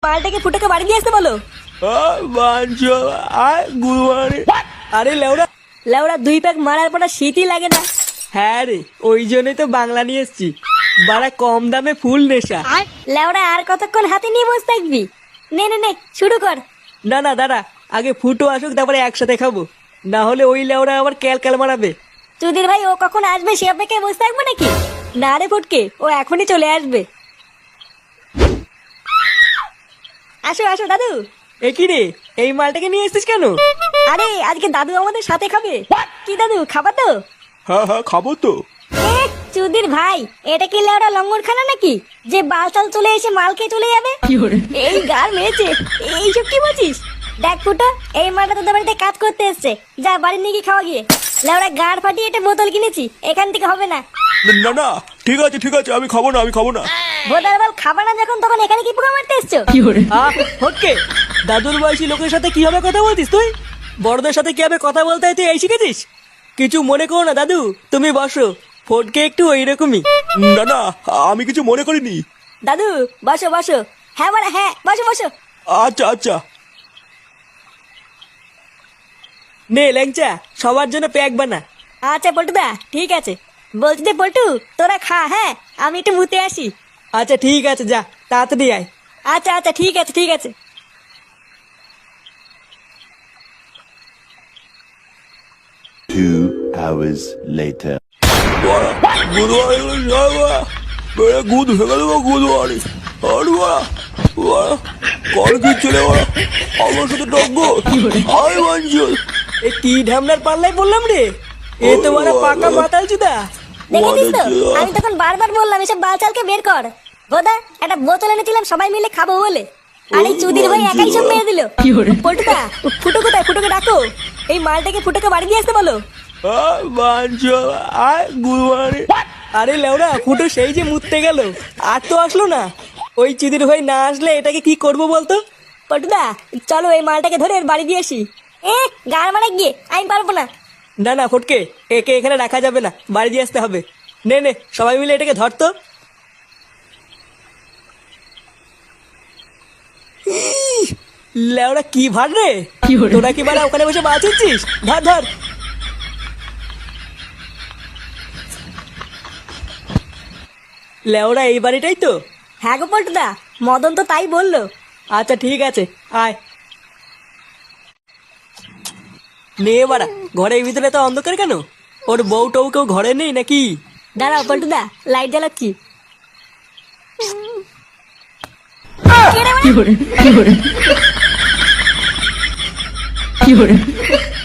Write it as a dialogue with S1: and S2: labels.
S1: মালটাকে ফুটোকে বাড়ি দিয়ে আসতে বলো।
S2: আরে লেওরা
S1: লেওড়া 2 প্যাক মারার পর আর শীতই লাগে না।
S2: হ্যাঁ রে, ওই জন্যই তো বাংলা নিয়ে এসছি। বাড়া কম দামে ফুল নেশা।
S1: লেওড়া আর কতক্ষণ হাতে নিয়ে বসে থাকবি? নে নে নে শুরু কর।
S2: না না দাঁড়া, আগে ফুটো আসুক তারপরে একসাথে খাবো, না হলে ওই লেওরা আবার ক্যাল মারাবে।
S1: চুদির ভাই ও কখন আসবে সে অপেক্ষায় বসে থাকবো নাকি? না রে ফুটকে, ও এখনই চলে আসবে। আসো আসো দাদু।
S2: এ কি রে, এই মালটাকে নিয়ে এসেছিস কেন?
S1: আরে আজকে দাদু আমাদের সাথে খাবে। কি দাদু খাবা তো?
S3: হ্যাঁ হ্যাঁ খাবো তো।
S1: চুদির ভাই, এটা কি লেওড়া লঙ্গর খানা নাকি যে বালতাল চলে এসে মাল খেয়ে চলে যাবে? এই গার মেয়েছে, এইসব কি বলছিস? দেখ ফুটো, এই মালটা তোদের বাড়িতে কাজ করতে এসছে, যা বাড়ি নিয়ে গিয়ে খাওয়া গিয়ে। লেওড়া গাড় ফাটিয়ে একটা বোতল কিনেছি, এখান থেকে হবে না।
S3: না না ঠিক আছে আমি খাবো না।
S1: বোতল বল খাবা না যখন, তখন এখানে কি পোকা মারতে এসছো?
S2: ওকে, দাদুর বয়সী লোকের সাথে কিভাবে কথা বলতিস তুই? বড়দের সাথে কিভাবে কথা বলতে হয় তুই এই শিখেছিস? কিছু মনে করো না দাদু, তুমি বসো। ফটকে একটু ওইরকমই।
S3: না না আমি কিছু মনে করিনি।
S1: দাদু বসো বসো। হ্যাঁ বড়া হ্যাঁ, বসো বসো।
S3: আচ্ছা
S2: নে ল্যাংচা, সবার জন্য প্যাক বানা।
S1: আচ্ছা পল্টুদা ঠিক আছে। বলছি যে পল্টু তোরা খা, হ্যাঁ আমি একটু মুতে আসি।
S2: আচ্ছা ঠিক আছে, যা তাড়াতাড়ি আয়।
S1: আচ্ছা আচ্ছা ঠিক আছে ঠিক আছে।
S4: 2 hours later.
S3: গুদ হয়ে গেল গুদুয়ারি। কল কি চলে আমার সাথে টগ্গো আই মঞ্জুর।
S2: এ কি ঢামনার পাল্লাই বললাম রে, এ তো বড় পাকা মাতাল চুদা।
S1: দেখেছিস তো, আমি তখন বারবার বললাম এসব বালচালকে বের কর। বোধা একটা বোতল এনেছিলাম সবাই মিলে খাবো বলে, আর এই চুদির ভাই একাই সব মেরে দিল। পল্টুদা ফুটো কোথায়? ফুটোকে ডাকো, এই মালটাকে ফুটোকে বাড়ি দিয়ে আসতে বলো।
S2: আরে লেওরা, ফুটো সেই যে মুততে গেল, আর তো আসলো না। ওই চুদির ভাই না আসলে এটাকে কি করবো বলতো?
S1: পল্টুদা চলো এই মালটাকে ধরে এর বাড়ি দিয়ে আসি। গান মারা গিয়ে আমি পারবো না।
S2: না না ফটকে, একে এখানে রাখা যাবে না, বাড়ি দিয়ে আসতে হবে। নে নে সবাই মিলে এটাকে ধরতো। লেওরা কি ভার রে, তোরা কি বাড়া ওখানে বসে বাঁচিয়েছিস? ধর ধর। লেওরা এই বাড়িটাই তো?
S1: হ্যাঁ গো পল্টুদা, মদন তো তাই বললো।
S2: আচ্ছা ঠিক আছে, আয়। নে বাড়া, ঘরের ভিতরে তো অন্ধকার কেন? ওর বউ টউ কেউ ঘরে নেই নাকি?
S1: দাঁড়াও পল্টুদা, লাইট জ্বালাচ্ছি। কে রে বাড়া?